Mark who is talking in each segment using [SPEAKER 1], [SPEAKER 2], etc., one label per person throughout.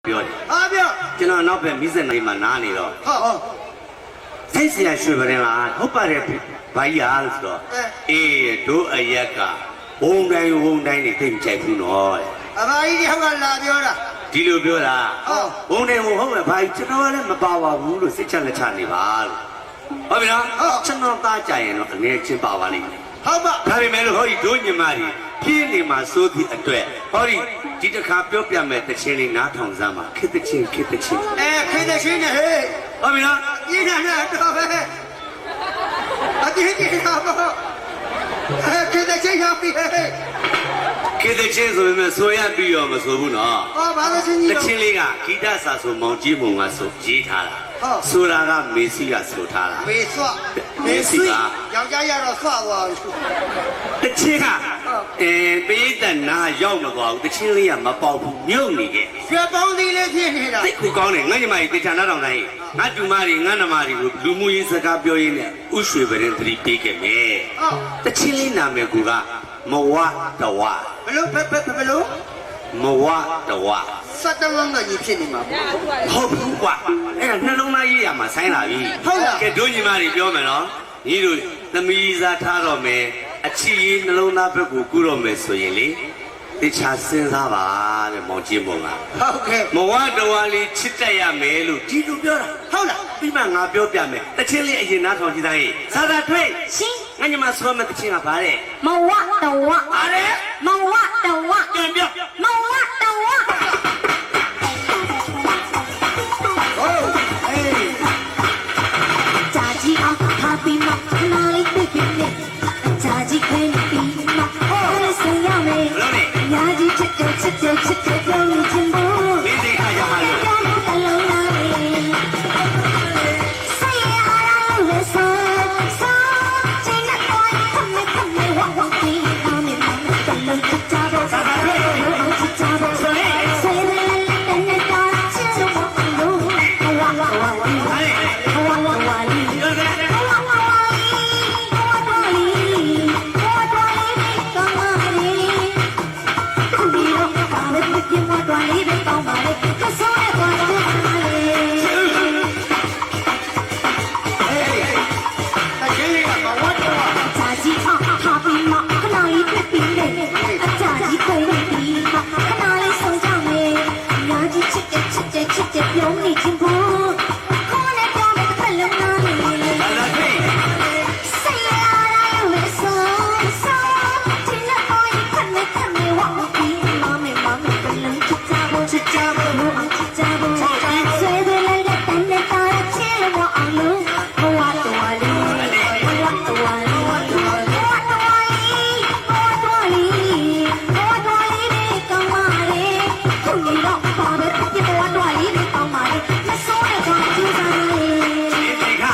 [SPEAKER 1] ပြောတယ်
[SPEAKER 2] ဟာပြော
[SPEAKER 1] ကျွန်တော်နောက်ပဲမိစက်နိုင်မှာနားနေတော့
[SPEAKER 2] ဟုတ်
[SPEAKER 1] စိတ်เสียရွှေပရင်လားဟုတ်ပါတယ်ဘာကြီးအားလို့ဆိုတော့အေးတို့အရက်ကဝုံတိုင်းနေသိမကြိုက်ဘူးနော်
[SPEAKER 2] အမကြီးတယောက်ကလာပြောတာ
[SPEAKER 1] ဒီလိုပြောတာဝုံတိုင်းဟုတ်မယ်ဘာကြီးကျွန်တော်လည်းမပါပါဘူးလို့စိတ်ချလက်ချနေပါလို့ဟုတ်ပြီနော်ကျွန်တော်သားကြရင်တော့အနေချင်းပါပါလိမ့်မယ်
[SPEAKER 2] ဟုတ်ပါ
[SPEAKER 1] ဒါပေမဲ့လို့ဟောဒီတို့ညီမတွေပြင်းနေမှာစိုးသည့်အတွက်ဟောဒီတစ်ခါပြောပြမယ်တခြင်းလေးနားထောင်စမ်းပါခေတ္တချင်း
[SPEAKER 2] ခေတဲ့ချင်းနဲ့ဟဲ့
[SPEAKER 1] ဟုတ်ပြီနော်
[SPEAKER 2] ပြင်းနေတာတော့ပဲအတင်းကြီးတာပေါ့ခေတဲ့ချင်းရောက်ပြီဟဲ့
[SPEAKER 1] ခေတ္တချင်းဆိုပေမဲ့ဆိုရပြီးတော့မဆိုဘူးနော်
[SPEAKER 2] ဟောဘာလို့ချင်းကြီး
[SPEAKER 1] တ
[SPEAKER 2] တော့
[SPEAKER 1] ချင်းလေးကဂီတစာဆိုမောင်ကြီးမုံကဆိုရေးထားတာဆိုတာကမေစီကဆိုထားတာ
[SPEAKER 2] မေဆွမေဆွယောက်ျားရတော့ဆွသွားပြီ
[SPEAKER 1] တချင်းကပိဋကနာရောက်မသွားဘူးတချင်းလေးကမပေါက်ဘူးမြုပ်နေခဲ့
[SPEAKER 2] ရွှေပေါင်းသီးလေးဖြစ်နေတာ
[SPEAKER 1] သိကူကောင်းတယ်ငါညီမကြီးတေချာနားထောင်တိုင်းငါတူမတွေငါနှမတွေကိုလူမှုရေးစကားပြောရင်းနဲ့ဥရွှေပရင်သတိပေးခဲ့မယ်တချင်းလေးနာမည်ကူကမဝတဝ
[SPEAKER 2] ဘလို့ဘလို့
[SPEAKER 1] မဝတဝ
[SPEAKER 2] စက်တလုံးကကြီးဖြစ်နေမှာပေါ့
[SPEAKER 1] ဟုတ်ဘူးကွာအဲ့ဒါနှလုံးသားရေးရမှာဆိုင်းလာပြီကဲတို့ညီမတွေပြောမယ်နော်ညီတို့သမီးစားထားတော့မယ်အချီရေးနှလုံးသားဘက်ကိုကူးတော့မယ်ဆိုရင်လေတခြားစဉ်းစားပါတဲ့မောင်ကြီးမောင်က
[SPEAKER 2] ဟုတ်ကဲ့
[SPEAKER 1] မဝတဝလေးချစ်တတ်ရမယ်လို့ဒီလိုပြောတာဟုတ်လားပြီးမှငါပြောပြမယ်တချင်းလေးအရင်နားထောင်ကြည့်သားရေးသာသာတွေ့
[SPEAKER 3] ရှင်
[SPEAKER 1] ငါညီမဆိုမဲ့တချင်းကဘာတဲ့
[SPEAKER 3] မဝတဝ
[SPEAKER 1] အားလေ
[SPEAKER 3] မဝတဝ
[SPEAKER 1] ပြန်ပြော
[SPEAKER 3] မဝတဝ
[SPEAKER 2] ဟုတ်အေး
[SPEAKER 3] ကြာကြီးအောင်ဟာပြီးမှနားလေးပြပြနဲ့ကြာကြီးခွင့်ပြီးမှဟောလေးစရမယ်
[SPEAKER 1] ဘလို့လဲ
[SPEAKER 3] ညာကြီးချစ်တယ်ပြောင်းချင်ဖို့
[SPEAKER 1] မင်းစိတ်ခါရမှာလို့
[SPEAKER 3] အလုံးလာမယ်say I love you so so ချင်တဲ့ကိုခမဲဝဝပြီးနားမယ်တလုံးချစ်ကြဖို့ချစ်ကြဖို့ဆွေးတယ်တဲ့တာချစ်လို့လို့ဝဝဝဝဝဝ
[SPEAKER 1] ပြောတယ်
[SPEAKER 2] တချင်းလေးကမဝတ်တော့
[SPEAKER 3] ပြောနေချင်းဖို့ခေါ်နေပြောတဲ့ဖက်လုံးနားနေလေ
[SPEAKER 1] သာသာတွေ့
[SPEAKER 3] say I love you so so ချင်တဲ့ကိုခမဲဝဝပြီးမမေကလည်းချစ်ကြဖို့ချစ်ကြဖို့အောင်ချစ်ကြဖို့ဆွေးတယ်လည်းတန်တဲ့တာချစ်လို့အောင်လို့ဘဝတော်လေးဘဝတော်လေးဘဝတော်လေးဘဝတော်လေးကောင်းပါလေခုနေတော့ပါပဲဒီဘဝတော်လေးကောင်းပါလေမစိုးတဲ့ကောင်ကြည့်ပါလေ
[SPEAKER 1] ဒီစိတ်ခါ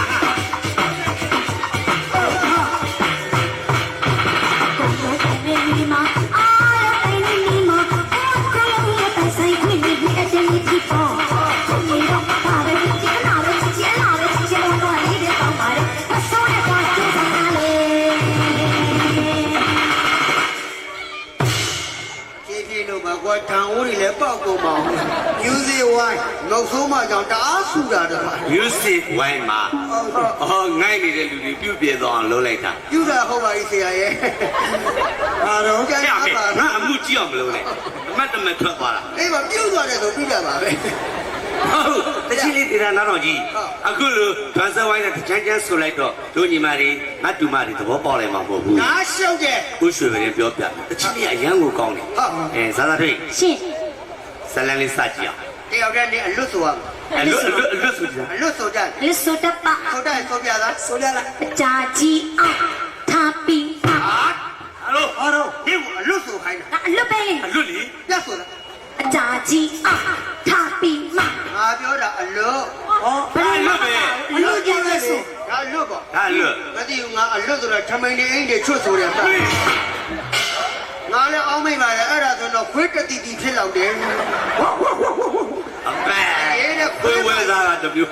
[SPEAKER 2] ပြေလို့ပါကွာတန်အိုးတွေလည်းပေါက်ကုန်ပါအောင်မြူးစီဝိုင်းငုတ်ဆိုးမှကြောင့်တအားဆူတာတခါ
[SPEAKER 1] music ဝိုင်းမှာငိုင်းနေတဲ့လူတွေပြုတ်ပြေသွားအောင်လုပ်လိုက်တာ
[SPEAKER 2] ယူတာဟုတ်ပါပြီဆရာရဲ့အားတော့ကြိုက်
[SPEAKER 1] ရ
[SPEAKER 2] ပါ
[SPEAKER 1] မယ်
[SPEAKER 2] ပါ
[SPEAKER 1] ငါအမှုကြည့်အောင်မလုပ်နဲ့အမတ်တမတ်ထွက်သွားတာ
[SPEAKER 2] အေးမပြုတ်သွားတယ်ဆိုပြီးကြပါပဲ
[SPEAKER 1] ဟုတ်တချီလေးတေတာနားတော်ကြီးအခုလိုဗန်ဆဝိုင်းနဲ့ချမ်းချမ်းဆိုလိုက်တော့တို့ညီမတွေငါတူမတွေသဘောပေါက်လိုက်မှာမဟုတ်ဘူး
[SPEAKER 2] ငါရှုပ်တယ်
[SPEAKER 1] ကိုရွှေပရင်ပြောပြတချီလေးအရန်ကိုကောင်းတယ်ဇာသာတွေ့
[SPEAKER 3] ရှင်
[SPEAKER 1] ဇလန်လေးစကြည့်အောင်
[SPEAKER 2] တယောက်တည်းနေအလွတ်ဆိုရမယ်
[SPEAKER 1] အလွတ်ဆိုကြ
[SPEAKER 2] အလွတ်ဆိုကြတယ်
[SPEAKER 3] လစ်ဆိုတပ
[SPEAKER 2] ဆိုတယ်ဆိုပြလားဆိုပြလား
[SPEAKER 3] အကြာကြီးအောင်ထားပြီး
[SPEAKER 2] ဟာ
[SPEAKER 1] အလို
[SPEAKER 2] ဟောတော့ဒီကအလွတ်ဆိုခိုင်းတာ
[SPEAKER 3] အလွတ်ပဲ
[SPEAKER 1] အလွတ်လီ
[SPEAKER 2] ပြတ်ဆိုလား
[SPEAKER 3] အကြာကြီးအောင်ထားပြီးမှ
[SPEAKER 2] ငါပြောတာအလွတ်
[SPEAKER 1] ဘယ်လွတ်ပဲ
[SPEAKER 2] အလွတ်ကြီးလဲဆိုငါအလွတ်ပေါ့
[SPEAKER 1] ဒါလွတ်
[SPEAKER 2] မသိဘူးငါအလွတ်ဆိုတာထမိန်နေအိမ်တွေချွတ်ဆိုတယ်ဗျငါလည်းအောင်းမိတ်ပါလေအဲ့ဒါဆိုတော့ခွေးတတိတိဖြစ်လောက်တယ်
[SPEAKER 1] အပဲခွေးဝဲစားတာတမျိုး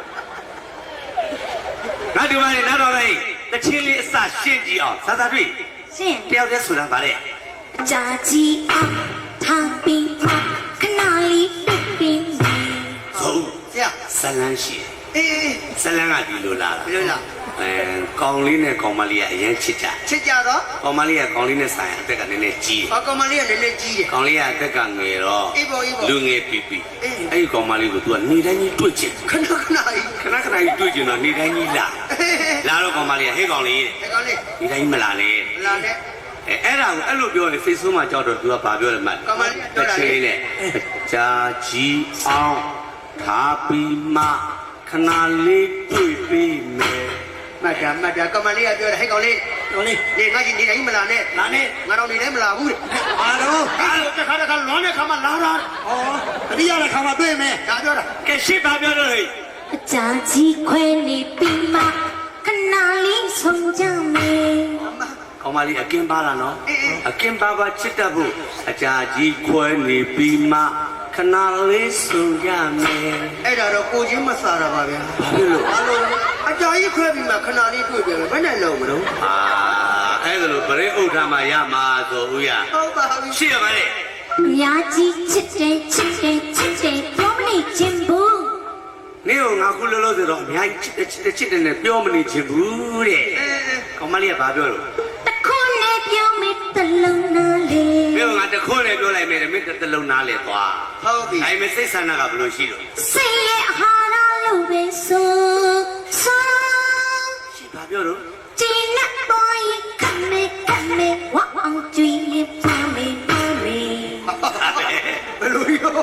[SPEAKER 1] ငါဒီမှာနေနားတော်လိုက်တချီလေးအစရှင်းကြည့်အောင်ဇာသာတွေ့
[SPEAKER 3] ရှင်
[SPEAKER 1] တယောက်တည်းဆိုတာဗါလေ
[SPEAKER 3] အကြာကြီးအောင်ထားပြီးမှခဏလေးပြပြီး
[SPEAKER 1] လန်းရှိ
[SPEAKER 2] အေး
[SPEAKER 1] ဇလန်းကဒီလိုလာတာ
[SPEAKER 2] ဘယ်လိုလား
[SPEAKER 1] ကောင်လေးနဲ့ကောင်မလေးကအရင်ချစ်ကြ
[SPEAKER 2] ချစ်ကြတော့
[SPEAKER 1] ကောင်မလေးကကောင်လေးနဲ့ဆိုင်အသက်ကနည်းနည်းကြီး
[SPEAKER 2] ကောင်မလေးကလည်းလည်းကြီးတယ်
[SPEAKER 1] ကောင်လေးကအသက်ကငယ်တော့
[SPEAKER 2] အေးပေါ့အေးပေါ့
[SPEAKER 1] လူငယ်ပီပီအဲ့ဒီကောင်မလေးကို तू ကနေတိုင်းကြီးတွေ့ချင်
[SPEAKER 2] ခဏခဏကြီး
[SPEAKER 1] ခဏခဏကြီးတွေ့ချင်တော့နေတိုင်းကြီးလာတော့ကောင်မလေးကဟေးကောင်လေး
[SPEAKER 2] ဒီကောင်လေး
[SPEAKER 1] နေတိုင်းမလာနဲ့
[SPEAKER 2] လာနဲ့
[SPEAKER 1] အဲ့ဒါကိုအဲ့လိုပြောရင် Facebook မှာကြောက်တော့ तू ကဘာပြောလဲမှတ်
[SPEAKER 2] ကောင်မလေးပြောတာလေ
[SPEAKER 1] ချင်းနဲ့ဂျာကြီးအောင်ထားပြီးမှခဏလေးတွေ့ပြီးမယ်
[SPEAKER 2] မတ်တာကောင်မလေးကပြောတယ်ဟဲ့ကောင်လေး
[SPEAKER 4] တော်လေး
[SPEAKER 2] နေငါကြီးနေတိုင်းမလာနဲ့
[SPEAKER 4] လာနဲ့
[SPEAKER 2] ငါတော့နေတိုင်းမလာဘူးတဲ့
[SPEAKER 4] အာတော့
[SPEAKER 2] အဲ့လိုတစ်ခါတစ်ခါလွန်တဲ့ခါမှလာတာ
[SPEAKER 4] ဩတတိယတဲ့ခါမှာတွေ့မယ်
[SPEAKER 2] ဒါပြောတာ
[SPEAKER 1] ကဲရှစ်ဘာပြောတော့ဟဲ့
[SPEAKER 3] အကြာကြီးခွဲနေပြီးမှခဏလေးဆုံးကြမယ်
[SPEAKER 1] ကောင်မလေးအကင်းပါလားနော်အကင်းပါပါချစ်တတ်ဖို့အကြာကြီးခွဲနေပြီးမှခဏလေးဆုံရမယ်
[SPEAKER 2] အဲ့ဒါတော့ကိုချင်းမစားတာပါဗျာ
[SPEAKER 1] ဘာဖြစ်လို့
[SPEAKER 2] ဘာလို့အကြာကြီးခွဲပြီးမှခဏလေးတွေ့ပြန်မယ်ဘယ်နဲ့လုံးမလို့
[SPEAKER 1] အဲ့ဒါလို့ဗရေဥဒ္ဓမှာရမှာဆိုဦးရ
[SPEAKER 2] ဟုတ်ပါပြီ
[SPEAKER 1] ရှိရပါလေ
[SPEAKER 3] အများကြီးချစ်တယ်ပြောမနေခြင်းဘူး
[SPEAKER 1] နေကငါခုလောလောဆယ်တော့အများကြီးချစ်တယ်နဲ့ပြောမနေချင်ဘူးတဲ့ကောင်မလေးကဘာပြောလို့
[SPEAKER 3] တခုနဲ့ပြောမိတလုံးနာလေ
[SPEAKER 1] မင်းကငါတခွန်းနဲ့ပြောလိုက်မယ်မင်းတစ်လုံးနားလေသွား
[SPEAKER 2] ဟုတ်ပြီ
[SPEAKER 1] အဲ့မဲ့စိတ်ဆန္ဒကဘယ်လိုရှိလို့
[SPEAKER 3] စိတ်ရဲ့ဟာရလို့ပဲဆိုဆို
[SPEAKER 1] ရှိဘာပြောတော့
[SPEAKER 3] ကျင်းနဲ့ပေါ်ရင်ခမဲဝအောင်ကြွေးလေးပါမေပါမေ
[SPEAKER 2] ဘယ်လိုရော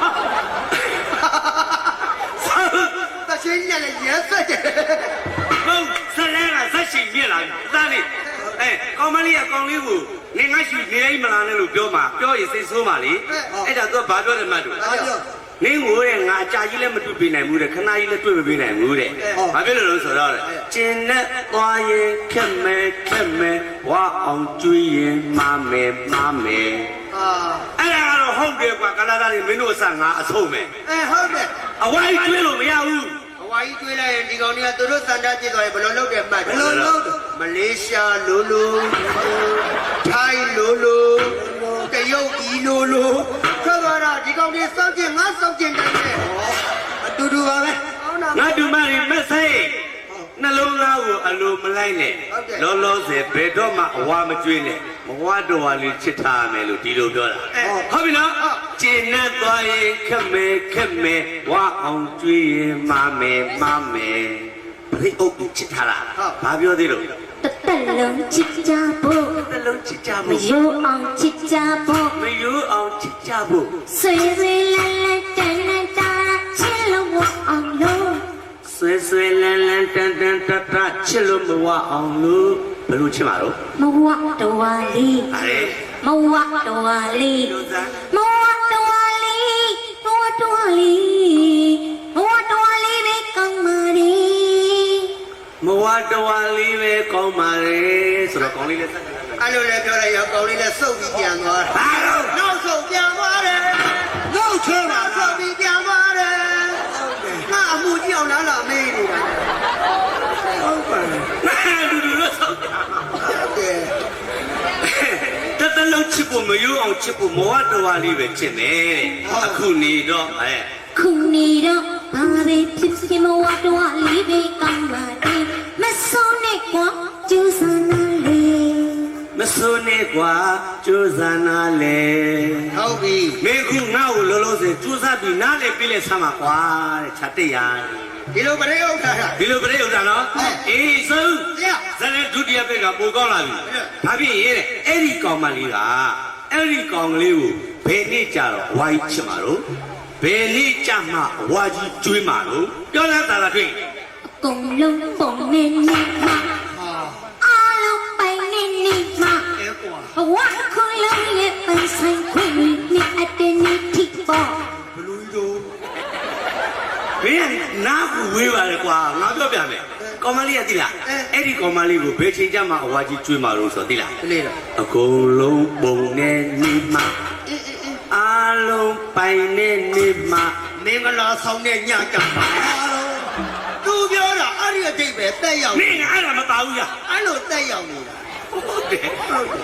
[SPEAKER 2] တချင်းညလည်းရဲစက်တယ်
[SPEAKER 1] ဟုတ်ဇလန်းကဇက်ရှိမြင်လာပြီအသားလေးကောင်မလေးကကောင်လေးကိုနေငါရှိနေတိုင်းမလာနဲ့လို့ပြောမှာပြောရင်စိတ်ဆိုးမှာလေအဲ့ဒါသူကဘာပြောတယ်မှတ်လို့
[SPEAKER 2] ဒါပြော
[SPEAKER 1] မင်းကိုတဲ့ငါအကြာကြီးလည်းမတွေ့ပေးနိုင်ဘူးတဲ့ခဏကြီးလည်းတွေ့မပေးနိုင်ဘူးတဲ့ဘာဖြစ်လို့လဲဆိုတော့ကျင်နဲ့သွားရင်ခက်မဲဝါအောင်ကျွေးရင်မမယ်
[SPEAKER 2] အာ
[SPEAKER 1] အဲ့ဒါကတော့ဟုတ်တယ်ကွာကလာသားတွေမင်းတို့အဆငါအဆုံးမယ်
[SPEAKER 2] ဟုတ်တယ်
[SPEAKER 1] အဝိုင်းကျွေးလို့မရဘူး
[SPEAKER 2] အဝါကြီးတွေးလိုက်ရင်ဒီကောင်တွေကသူတို့စံတာပြစ်သွားရင်ဘယ်လိုလုပ်တယ်မှတ်တယ်
[SPEAKER 4] ဘယ်လိုလုပ်တယ်
[SPEAKER 2] မလေးရှားလိုလိုထိုင်းလိုလိုတရုတ်ဤလိုလိုဆိုတော့ဒီကောင်တွေစောင့်ကြည့်ငါစောင့်ကြည့်တယ်
[SPEAKER 4] အတူတူပါပဲ
[SPEAKER 2] ဟုတ်လား
[SPEAKER 1] ငါတို့မရင်မဆိုင်နှလုံးသားကိုအလိုမလိုက်နဲ့လောလောဆယ်ဘယ်တော့မှအဝါမကျွေးနဲ့မဝါတော်ဝါလေးချစ်ထားရမယ်လို့ဒီလိုပြောတာဟုတ်ပြီနော်ကျင်နဲ့သွားရင်ခက်မဲဝါအောင်ကျွေးရင်မမယ်ဘရိအုပ်ကိုချစ်ထားတာဘာပြောသေးလို့
[SPEAKER 3] တသက်လုံးချစ်ကြဖို့
[SPEAKER 1] နှလုံးချစ်ကြ
[SPEAKER 3] မ
[SPEAKER 1] ဖို့
[SPEAKER 3] ယိုအောင်ချစ်ကြဖို့
[SPEAKER 1] မယိုးအောင်ချစ်ကြဖို့
[SPEAKER 3] ဆွေဆွေလန်းလန်းတန်တန်တာချစ်လို့ဝအောင်လို့
[SPEAKER 1] ဆွဲလန်းတန်တချစ်လို့မဝအောင်လို့ဘယ်လိုချစ်မှာတော့
[SPEAKER 3] မဝတော်ဝါလီ
[SPEAKER 1] ဟာလေ
[SPEAKER 3] မဝတော်ဝါလီ
[SPEAKER 1] လို့သား
[SPEAKER 3] မဝတော်ဝါလီမဝတော်ဝါလီမဝတော်ဝါလီပဲကောင်းပါလေ
[SPEAKER 1] မဝတော်ဝါလေးပဲကောင်းပါလေဆိုတော့ကောင်းလေးလည်းသက်ကလာ
[SPEAKER 2] အဲ့လိုလည်းပြောလိုက်ရောကောင်လေးလည်းစုပ်ပြီးပြန်သွားတယ်
[SPEAKER 1] ဘာလို့
[SPEAKER 2] နောက်ဆုံးပြန်သွားတယ်
[SPEAKER 4] လောက်ချဲပါ
[SPEAKER 2] နောက်ဆုံးပြီးပြန်သွားတယ်ငါအမှုကြီးအောင်လားမေးနေတာ
[SPEAKER 4] ဟုတ်ပါလေ
[SPEAKER 1] လူလို့ဆောက်တာ
[SPEAKER 2] ကဲ
[SPEAKER 1] တလုံးချစ်ဖို့မယိုးအောင်ချစ်ဖို့မဝတော်ဝါလေးပဲချစ်မယ်တဲ့အခုနေတော့
[SPEAKER 3] ခုနေတော့ဘာပဲဖြစ်ဖြစ်မဝတော်ဝါလီပဲကောင်းပါလေမဆုံးနဲ့ကွာကျူးစမ်းနာလေ
[SPEAKER 1] မစိုးနဲ့ကွာကြိုးစားနာလေ
[SPEAKER 2] ဟုတ်ပြီ
[SPEAKER 1] မင်းခုငါ့ကိုလောလောဆယ်ကြိုးစားပြီးနားလေပြည့်လဲဆမ်းပါကွာတဲ့ခြာတက်ရ
[SPEAKER 2] ဒီလိုပရိဥဒ္ဓတာ
[SPEAKER 1] ဒီလိုပြည့်ဥတာနော်အေးဆုံး
[SPEAKER 2] ရ
[SPEAKER 1] ဇလန်ဒုတိယဘက်ကပိုကောင်းလာပြီဘာဖြစ်ရင်တဲ့အဲ့ဒီကောင်မလေးကအဲ့ဒီကောင်ကလေးကိုဘယ်နေ့ကြတော့ဝါကြီးချစ်မှာတော့ဘယ်နေ့ကြမှာဝါကြီးကျွေးမှာတော့ပြောလားသာလားတွေ့
[SPEAKER 3] အကုန်လုံးပုံနေနေမှာအားလုံးပိုင်နေနေမှာ
[SPEAKER 2] အဲကွာ
[SPEAKER 3] ဘဝခုလုံးရဲ့ပိုင်ဆိုင်ခွင့်နဲ့အတည်းနဲ့ထိပေါ်
[SPEAKER 2] ဘလူးတို့
[SPEAKER 1] မင်းကနားကိုဝေးပါလေကွာငါပြောပြမယ်ကောင်မလေးကသိလားအဲ့ဒီကောင်မလေးကိုဘယ်ချိန်ကြမှာအဝါကြီးကျွေးမှာလို့ဆိုသိလား
[SPEAKER 2] ကလေးတော့
[SPEAKER 1] အကုန်လုံးပုံနဲ့နေမှာအားလုံးပိုင်နဲ့နေမှာ
[SPEAKER 2] မင်္ဂလာဆောင်တဲ့ညကြပါသူပြောတာအဲ့ဒီအတိတ်ပဲတက်ရောက်
[SPEAKER 1] မင်းကအဲ့ဒါမပါဘူးလား
[SPEAKER 2] အဲ့လိုတက်ရောက်နေတာ
[SPEAKER 1] ဟုတ်တယ်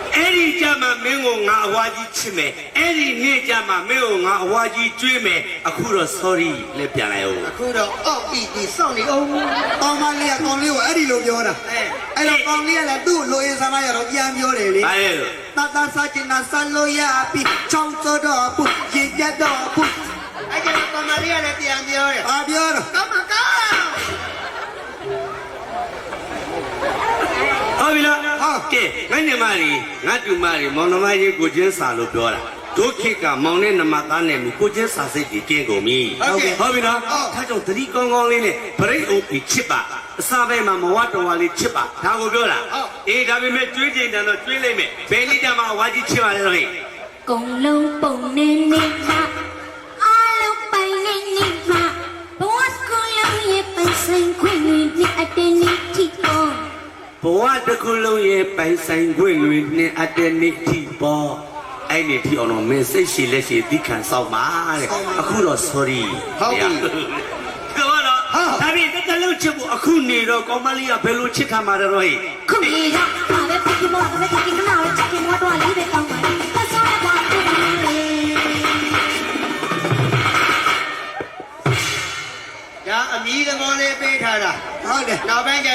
[SPEAKER 1] အဲ့ဒီကြမှာမင်းကိုငါအဝါကြီးချစ်မယ်အဲ့ဒီနေ့ကြမှာမင်းကိုငါအဝါကြီးကျွေးမယ်အခုတော့ sorry လက်ပြန်လိုက်အောင်
[SPEAKER 2] အခုတော့အောက်ပြီးဒီစောင့်နေအောင်
[SPEAKER 4] ကောင်းမလေးကကောင်းလေးကိုအဲ့ဒီလိုပြောတာအဲ့တော့ကောင်းလေးကလည်းသူ့လိုရေးစားမရတော့ပြန်ပြောတယ်လေ
[SPEAKER 1] ဘာလဲလို့
[SPEAKER 4] တာတာစားချင်တာစားလို့ရပြီချောင်းစောတော့ပူရေပြတ်တော့ပူ
[SPEAKER 2] အဲ့ကျတော့ကောင်မလေးကလည်းပြန်ပြောတယ်
[SPEAKER 4] ဘာပြောတော့
[SPEAKER 2] ကောင်းမကောင်း
[SPEAKER 1] ဟုတ်ပြီလားကဲငါညီမကြီးငါတူမကြီးမောင်နှမကြီးကိုချင်းစာလို့ပြောတာဒုခိကမောင်နဲ့နှမသားနဲ့ကိုချင်းစာစိတ်ကြီးကင်းကုန်ပြီဟုတ်ပြီနော်ထားကြောင့်သတိကောင်းကောင်းလေးနဲ့ဗရိတ်အုပ်ပြီးချစ်ပါအစာပဲမှာမဝတော်ဝါလေးချစ်ပါဒါကိုပြောတာအေးဒါပေမဲ့ကျွေးချိန်တန်တော့ကျွေးလိုက်မယ်ဘယ်နည်းကြမှာဝါကြီးချစ်ပါလဲတော့ဟဲ့
[SPEAKER 3] ကုံလုံးပုံနေနေမှာအားလုံးပိုင်နေနေမှာဘဝစကူလုံးရဲ့ပိုင်ဆိုင်ခွင့်နဲ့အတင်းနေထိပေါ်
[SPEAKER 1] ဘဝတစ်ခုလုံးရဲ့ပိုင်ဆိုင်ခွင့်တွေနဲ့အတ္တနိတိပေါ်အဲ့ဒီထီအောင်တော့မင်းစိတ်ရှိလက်ရှိသိခံဆောင်ပါတဲ့အခုတော့ sorry
[SPEAKER 2] ဟုတ်ပြီ
[SPEAKER 1] ကတော့ဒါပြင်တစ်လုံးချစ်ဖို့အခုနေတော့ကောင်းမလေးကဘယ်လိုချစ်ခံမှာတော့ဟဲ့
[SPEAKER 3] ခုနေရပါပဲပြမောပဲပြကိနာပဲချက်မောတော့လေးပဲတောင်းပါပတ်စောရပါဘူး
[SPEAKER 2] ဒါအမီးသဘောလေးပေးထားတာ
[SPEAKER 4] ဟုတ်တယ်
[SPEAKER 2] နောက်ပိုင်းကျ